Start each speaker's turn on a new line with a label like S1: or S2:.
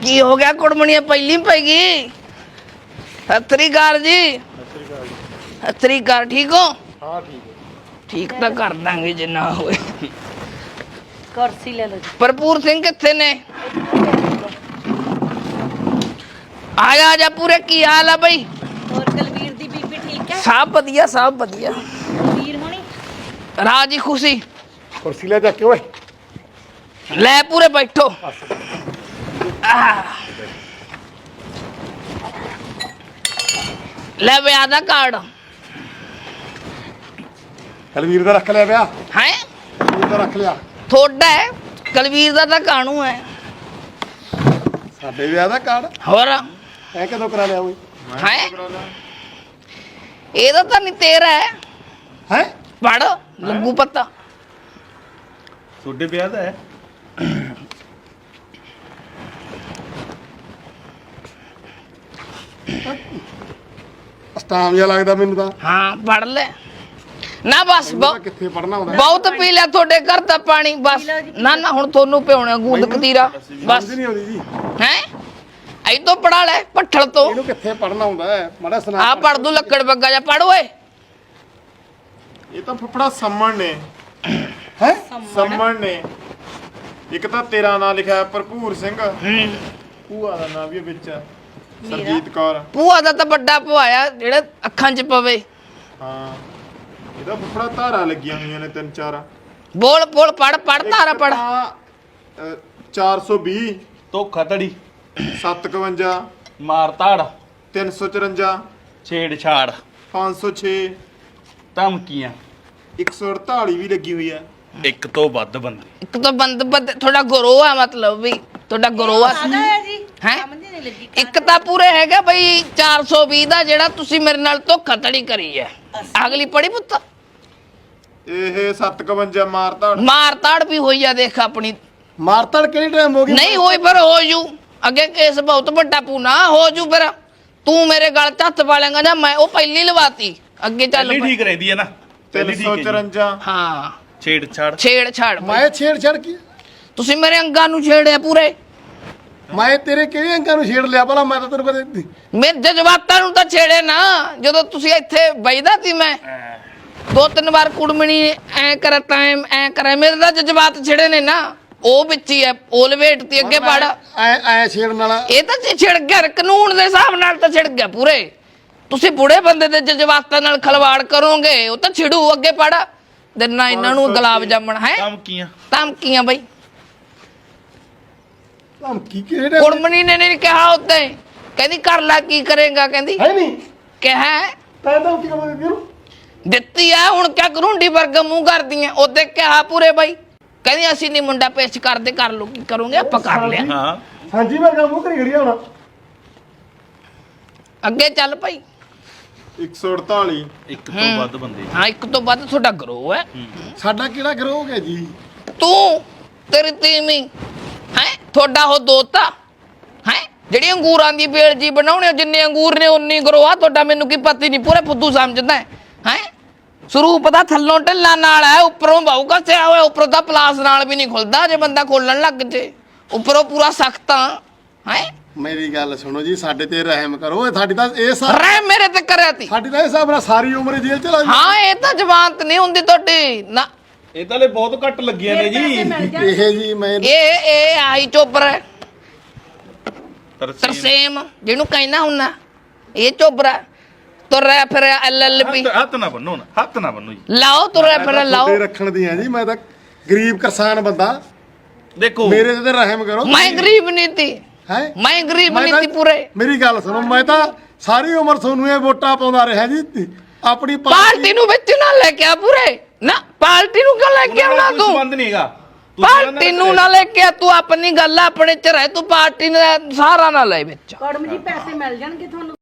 S1: की हो गया कुड़मणिया पहली पैगी सत श्री अकाल जी सत श्री अकाल ठीक हो
S2: हाँ ठीक है
S1: ठीक तो कर देंगे जे ना होए
S3: कुर्सी ले लो जी।
S1: भरपूर सिंह किथे ने आजा आजा पूरे की हाल है भाई
S3: और कलवीर दी बीबी ठीक है
S1: सब बढ़िया
S3: वीर होनी
S1: राजी खुशी
S2: कुर्सी ले जाके ओए
S1: ले पूरे बैठो ले ब्याह दा कार्ड
S2: कलवीर दा रख लिया ब्याह
S1: है
S2: कलवीर दा रख लिया
S1: थोड़ा है कलवीर दा तां कानू है
S2: साडे ब्याह दा कार्ड
S1: होर
S2: ऐ कदों करा लिया ओए
S1: है ਇਹਦਾ ਤਾਂ ਨਹੀਂ ਤੇਰਾ ਹੈ
S2: हैं
S1: ਪੜ ਲੱਗੂ ਪਤਾ
S4: ਤੁਹਾਡੇ ਵਿਆਹ ਦਾ ਹੈ
S2: ਸਟਾਮ ਜਿਹਾ ਲੱਗਦਾ ਮੈਨੂੰ ਤਾਂ
S1: ਹਾਂ ਪੜ ਲੈ ਨਾ ਬਸ
S2: ਕਿੱਥੇ ਪੜਨਾ ਹੁੰਦਾ
S1: ਬਹੁਤ ਪੀ ਲਿਆ ਤੁਹਾਡੇ ਘਰ ਦਾ ਪਾਣੀ ਬਸ ਨਾ ਨਾ ਹੁਣ ਤੁਹਾਨੂੰ ਪਿਉਣਾ ਗੂੰਦ ਕਤੀਰਾ ਬਸ
S2: ਸਮਝ ਨਹੀਂ ਆਉਂਦੀ ਜੀ
S1: ਹੈ ਐ ਤੋਂ ਪੜਾ ਲੈ ਪੱਠਲ ਤੋਂ
S2: ਇਹਨੂੰ ਕਿੱਥੇ ਪੜਨਾ ਹੁੰਦਾ ਹੈ ਮਾੜਾ ਸੁਣਾ
S1: ਆ ਪੜ ਦੂ ਲੱਕੜ ਬੱਗਾ ਜਾ ਪੜ ਓਏ
S5: ਇਹ ਤਾਂ ਫਫੜਾ ਸੰਮਣ ਨੇ
S2: ਹੈ
S5: ਸੰਮਣ ਨੇ ਇੱਕ ਤਾਂ ਤੇਰਾ ਨਾਂ ਲਿਖਿਆ ਹੈ ਭਰਪੂਰ ਸਿੰਘ ਭੂਆ ਦਾ ਨਾਂ ਵੀ ਹੈ ਵਿੱਚ ਸਰਜੀਤ ਕੌਰ
S1: ਭੂਆ ਦਾ ਤਾਂ ਵੱਡਾ ਭੁਆਇਆ ਜਿਹੜਾ ਅੱਖਾਂ 'ਚ ਪਵੇ
S5: ਹਾਂ ਇਹਦਾ ਫਫੜਾ ਧਾਰਾ ਲੱਗੀਆਂ ਹੋਈਆਂ ਨੇ ਤਿੰਨ ਚਾਰ
S1: ਬੋਲ ਬੋਲ ਪੜ ਪੜ ਤਾਰਾ ਪੜ
S5: 420
S4: ਧੋਖਾ ਧੜੀ
S5: 751
S4: ਮਾਰ ਧਾੜ
S5: 354
S4: ਛੇੜ ਛਾੜ
S5: 506
S4: ਧਮਕੀਆਂ
S5: 148 ਵੀ ਲੱਗੀ ਹੋਈ ਹੈ
S4: ਇੱਕ ਤੋਂ ਵੱਧ ਬੰਦੇ
S1: ਇੱਕ ਤਾਂ ਬੰਦ ਥੋੜਾ ਗਰੋ ਆ ਮਤਲਬ ਵੀ ਤੁਹਾਡਾ ਗਰੋ ਆ
S3: ਆਦਾ ਹੈ ਜੀ
S1: ਹੈਂ?
S3: ਸਮਝ ਨਹੀਂ ਲੱਗੀ
S1: ਇੱਕ ਤਾਂ ਪੂਰੇ ਹੈਗਾ ਬਈ 420 ਦਾ ਜਿਹੜਾ ਤੁਸੀਂ ਮੇਰੇ ਨਾਲ ਧੋਖਾ ਧੜੀ ਕਰੀ ਹੈ ਅਗਲੀ ਪੜੀ ਪੁੱਤ
S5: ਇਹ 751 ਮਾਰ ਧਾੜ
S1: ਮਾਰ ਤਾੜ ਵੀ ਹੋਈ ਆ ਦੇਖ ਆਪਣੀ
S2: ਮਾਰਤੜ ਕਿਹੜੀ ਟਾਈਮ ਹੋ ਗਈ
S1: ਨਹੀਂ ਹੋਈ ਪਰ ਹੋ ਜੂ ਅੱਗੇ ਕੇਸ ਬਹੁਤ ਵੱਡਾ ਪੂਨਾ ਹੋ ਜੂ ਫਿਰ ਤੂੰ ਮੇਰੇ ਗਲ 'ਚ ਹੱਥ ਪਾ ਲੇਗਾ ਜਾਂ ਮੈਂ ਉਹ ਪਹਿਲੀ ਲਵਾਤੀ ਅੱਗੇ ਚੱਲ
S4: ਪਹਿਲੀ
S1: ਪਈ।
S4: ਠੀਕ ਰਹਿੰਦੀ ਹੈ ਨਾ ਪਹਿਲੀ ਠੀਕ ਹੈ
S5: 354
S1: ਹਾਂ
S4: ਛੇੜ ਛਾੜ
S1: ਛੇੜ ਛਾੜ
S2: ਮੈਂ ਛੇੜ ਕੀ
S1: ਤੁਸੀਂ ਮੇਰੇ ਅੰਗਾਂ ਨੂੰ ਛੇੜਿਆ ਪੂਰੇ
S2: ਮੈਂ ਤੇਰੇ ਕਿਹੜੇ ਅੰਕਾਂ ਨੂੰ ਛੇੜ ਲਿਆ ਭਲਾ ਮੈਂ ਤਾਂ ਤੈਨੂੰ ਕਦੇ
S1: ਮੇਰੇ ਜਜ਼ਬਾਤਾਂ ਨੂੰ ਤਾਂ ਛੇੜੇ ਨਾ ਜਦੋਂ ਤੁਸੀਂ ਇੱਥੇ ਬੈਠਦਾ ਸੀ ਮੈਂ ਦੋ ਤਿੰਨ ਵਾਰ ਕੁੜਮਣੀ ਐ ਕਰ ਟਾਈਮ ਐ ਕਰੇ ਮੇਰੇ ਤਾਂ ਜਜ਼ਬਾਤ ਛੇੜੇ ਨੇ ਨਾ ਉਹ ਵਿੱਚ ਹੀ ਐ ਉਹ ਲਵੇਟਤੀ ਅੱਗੇ ਪੜ
S2: ਐ ਛੇੜਨ ਵਾਲਾ
S1: ਇਹ ਤਾਂ ਛਿੜ ਗਿਆ ਕਾਨੂੰਨ ਦੇ ਹਿਸਾਬ ਨਾਲ ਤਾਂ ਛਿੜ ਗਿਆ ਪੂਰੇ ਤੁਸੀਂ ਬੁੜੇ ਬੰਦੇ ਦੇ ਜਜ਼ਬਾਤਾਂ ਨਾਲ ਖਲਵਾੜ ਕਰੋਗੇ ਉਹ ਤਾਂ ਛਿੜੂ ਅੱਗੇ ਪੜ ਦਿਨਾਂ ਇਹਨਾਂ ਨੂੰ ਗੁਲਾਬ ਜਾਮਣ ਹੈ
S4: ਧਮਕੀਆਂ
S1: ਧਮਕੀਆਂ ਬਈ
S2: ਧਮਕੀ ਕਿਹੜੇ
S1: ਕੁੜਮਣੀ ਨੇ ਨਹੀਂ ਕਿਹਾ ਉੱਤੇ ਕਹਿੰਦੀ ਕਰ ਲੈ ਕੀ ਕਰੇਗਾ ਕਹਿੰਦੀ
S2: ਹੈ ਨਹੀਂ
S1: ਕਿਹਾ
S2: ਤੈਂ ਧਮਕੀ ਕਦੋਂ ਦਿੱਤੀ ਉਹਨੂੰ
S1: ਦਿੱਤੀ ਆ ਹੁਣ ਕਿਆ ਕਰੂੰਡੀ ਵਰਗਾ ਮੂੰਹ ਕਰਦੀ ਐ ਉਹਦੇ ਕਿਹਾ ਪੂਰੇ ਬਾਈ ਕਹਿੰਦੀ ਅਸੀਂ ਨਹੀਂ ਮੁੰਡਾ ਪੇਸ਼ ਕਰਦੇ ਕਰ ਲੋ ਕੀ ਕਰੋਗੇ ਆਪਾਂ ਕਰ ਲਿਆ
S4: ਹਾਂ
S2: ਹਾਂਜੀ ਵਰਗਾ ਮੂੰਹ ਕਰੀ ਖੜੀ ਹੋਣਾ
S1: ਅੱਗੇ ਚੱਲ ਭਾਈ
S5: 148
S4: ਇੱਕ ਤੋਂ ਵੱਧ ਬੰਦੇ
S1: ਹਾਂ ਇੱਕ ਤੋਂ ਵੱਧ ਤੁਹਾਡਾ ਗਰੋ ਹੈ
S2: ਸਾਡਾ ਕਿਹੜਾ ਗਰੋਹ ਹੋ ਗਿਆ ਜੀ
S1: ਤੂੰ ਤੇਰੀ ਤੀਵੀਂ ਹੈ ਤੁਹਾਡਾ ਉਹ ਦੋਤਾ ਹੈ ਜਿਹੜੀ ਅੰਗੂਰਾਂ ਦੀ ਬੇਲ ਜੀ ਬਣਾਉਣੇ ਜਿੰਨੇ ਅੰਗੂਰ ਨੇ ਉਨੀ ਗਰੋ ਆ ਤੁਹਾਡਾ ਮੈਨੂੰ ਕੀ ਪਤਾ ਨਹੀਂ ਪੂਰੇ ਫੁੱਦੂ ਸਮਝਦਾ ਹੈ ਸਰੂਪ ਦਾ ਥੱਲੋਂ ਢਿੱਲਾ ਨਾਲ ਹੈ ਉੱਪਰੋਂ ਬਾਹੂ ਕੱਸਿਆ ਹੋਇਆ ਉੱਪਰੋਂ ਤਾਂ ਪਲਾਸ ਨਾਲ ਵੀ ਨਹੀਂ ਖੁੱਲਦਾ ਜੇ ਬੰਦਾ ਖੋਲਣ ਲੱਗ ਜੇ ਉੱਪਰੋਂ ਪੂਰਾ ਸਖਤ ਹੈ
S2: ਮੇਰੀ ਗੱਲ ਸੁਣੋ ਜੀ ਸਾਡੇ ਤੇ ਰਹਿਮ ਕਰੋ ਇਹ ਸਾਡੀ ਤਾਂ ਇਹ
S1: ਰਹਿ ਮੇਰੇ ਤੇ ਕਰਿਆ ਤੀ
S2: ਸਾਡੀ ਤਾਂ ਇਹ ਹਿਸਾਬ ਨਾਲ ਸਾਰੀ ਉਮਰ ਜੇਲ੍ਹ ਚ ਲੱਗ
S1: ਹਾਂ ਇਹ ਤਾਂ ਜਵਾਨਤ ਨਹੀਂ ਹੁੰਦੀ ਤੁਹਾਡੀ ਨਾ
S4: ਇਹ ਤਾਂ ਲੈ ਬਹੁਤ ਘੱਟ ਲੱਗੀਆਂ ਨੇ ਜੀ
S2: ਇਹ ਜੀ ਮੈਂ
S1: ਇਹ ਆਈ ਚੋਬਰ ਹੈ
S4: ਤਰਸੇਮ
S1: ਤਰਸੇਮ ਜਿਹਨੂੰ ਕਹਿੰਦਾ ਹੁੰਨਾ ਇਹ ਚੋਬਰਾ ਤੁਰਿਆ ਫਿਰ ਐਲਐਲਪੀ
S4: ਹੱਥ ਨਾ ਬੰਨੋ ਨਾ ਹੱਥ ਨਾ ਬੰਨੋ ਜੀ
S1: ਲਾਓ ਤੁਰਿਆ ਫਿਰ ਲਾਓ
S2: ਤੁਹਾਡੇ ਰੱਖਣ ਦੀਆਂ ਜੀ ਮੈਂ ਤਾਂ ਗਰੀਬ ਕਿਸਾਨ ਬੰਦਾ
S4: ਦੇਖੋ
S2: ਮੇਰੇ ਤੇ ਰਹਿਮ ਕਰੋ
S1: ਮੈਂ ਗਰੀਬ ਨਹੀਂ ਤੀ
S2: ਹੈ
S1: ਮੈਂ ਗਰੀਬ ਨਹੀਂ ਤੀ ਪੂਰੇ
S2: ਮੇਰੀ ਗੱਲ ਸੁਣੋ ਮੈਂ ਤਾਂ ਸਾਰੀ ਉਮਰ ਤੁਹਾਨੂੰ ਇਹ ਵੋਟਾਂ ਪਾਉਂਦਾ ਰਿਹਾ ਜੀ ਆਪਣੀ
S1: ਪਾਰਟੀ ਨੂੰ ਵਿੱਚ ਨਾ ਲੈ ਕੇ ਆ ਪੂਰੇ ਨਾ ਪਾਰਟੀ ਨੂੰ ਕਿਉਂ ਲੈ ਕੇ ਆਉਣਾ
S4: ਕੋਈ
S1: ਤੂੰ
S4: ਸੰਬੰਧ ਨਹੀਂ ਹੈਗਾ ਤੁਸੀਂ ਇਹਨਾਂ
S1: ਪਾਰਟੀ ਨੂੰ ਨਾ ਲੈ ਕੇ ਆ ਤੂੰ ਆਪਣੀ ਗੱਲ ਆਪਣੇ ਚ ਰਹਿ ਤੂੰ ਪਾਰਟੀ ਦਾ ਸਹਾਰਾ ਨਾ ਲੈ ਵਿੱਚ
S3: ਕੌੜਮ ਜੀ ਪੈਸੇ ਮਿਲ ਜਾਣਗੇ ਤੁਹਾਨੂੰ